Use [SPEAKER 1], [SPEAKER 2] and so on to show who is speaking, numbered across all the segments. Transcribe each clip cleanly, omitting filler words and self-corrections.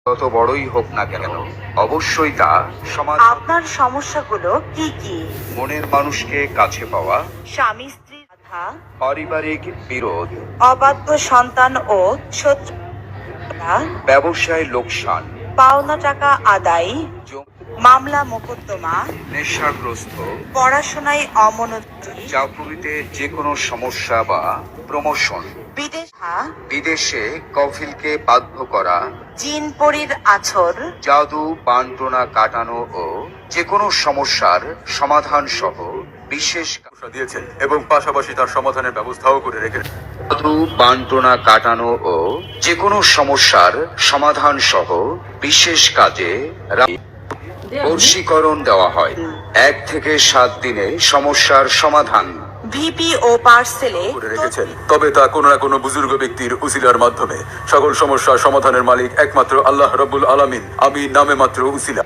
[SPEAKER 1] যত বড়ই হোক না কেন অবশ্যই তা সমাজ
[SPEAKER 2] আপনার সমস্যাগুলো কি কি?
[SPEAKER 1] মনের মানুষকে কাছে পাওয়া,
[SPEAKER 2] স্বামী স্ত্রীর বাধা,
[SPEAKER 1] পারিবারিক বিরোধ,
[SPEAKER 2] অবাধ্য সন্তান ও শত্রু,
[SPEAKER 1] ব্যবসায় লোকসান,
[SPEAKER 2] পাওনা টাকা আদায়,
[SPEAKER 1] জমি,
[SPEAKER 2] মামলা মোকদ্দমা,
[SPEAKER 1] নেশাগ্রস্ত,
[SPEAKER 2] পড়াশোনায় অমনোযোগী,
[SPEAKER 1] চাকরিতে যে কোনো সমস্যা বা প্রমোশন, বিদেশে কফিলকে বাধ্য করা,
[SPEAKER 2] জিন পরীর আছর,
[SPEAKER 1] জাদু বান্টনা কাটানো ও যে কোনো সমস্যার সমাধান সহ বিশেষ
[SPEAKER 3] দিয়েছেন এবং পাশাপাশি তার সমাধানের ব্যবস্থাও করে রেখেছেন।
[SPEAKER 1] জাদু বান্টনা কাটানো ও যে কোনো সমস্যার সমাধান সহ বিশেষ কাজে বশীকরণ দেওয়া হয়। 1 থেকে 7 দিনে সমস্যার সমাধান
[SPEAKER 2] ভিপি ও পার্সেলে
[SPEAKER 3] করে রেখেছেন। তবে তা কোনো না কোনো বুজুর্গ ব্যক্তির উসিলার মাধ্যমে। সকল সমস্যার সমাধানের মালিক একমাত্র আল্লাহ রাব্বুল আলামিন। আমি নামে মাত্র উসিলা।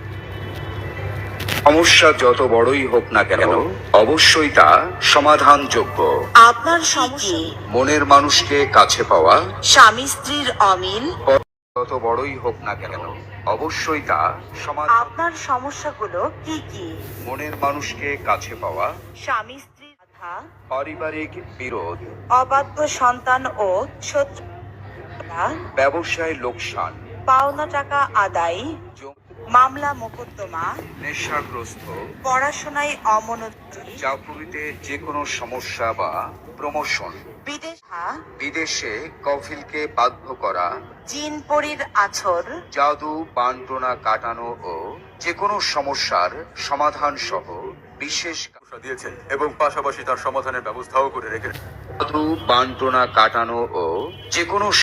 [SPEAKER 1] সমস্যা যত বড়ই হোক না কেন অবশ্যই তা সমাধানযোগ্য।
[SPEAKER 2] আপনার সমস্যা,
[SPEAKER 1] মনের মানুষকে কাছে পাওয়া,
[SPEAKER 2] স্বামী স্ত্রীর অমিল,
[SPEAKER 1] যত বড়ই হোক না কেন অবশ্যই তা
[SPEAKER 2] আপনার সমস্যাগুলো কি কি?
[SPEAKER 1] মনের মানুষকে কাছে পাওয়া,
[SPEAKER 2] স্বামী স্ত্রীর বাধা,
[SPEAKER 1] পারিবারিক বিরোধ,
[SPEAKER 2] অবাধ্য সন্তান ও শত্রু,
[SPEAKER 1] ব্যবসায় লোকসান,
[SPEAKER 2] পাওনা টাকা আদায়,
[SPEAKER 1] জমি,
[SPEAKER 2] মামলা মোকদ্দমা,
[SPEAKER 1] নেশাগ্রস্ত,
[SPEAKER 2] পড়াশোনায় অমনোযোগী,
[SPEAKER 1] চাকরিতে যে কোনো সমস্যা বা প্রমোশন, বিদেশে কফিলকে বাধ্য করা,
[SPEAKER 2] জিন পরীর আছর,
[SPEAKER 1] জাদু বান্টনা কাটানো ও যে কোনো সমস্যার সমাধান সহ বিশেষ
[SPEAKER 3] দিয়েছেন এবং পাশাপাশি তার সমাধানের ব্যবস্থাও করে রেখেছেন।
[SPEAKER 1] জাদু বান্টনা কাটানো ও যে কোনো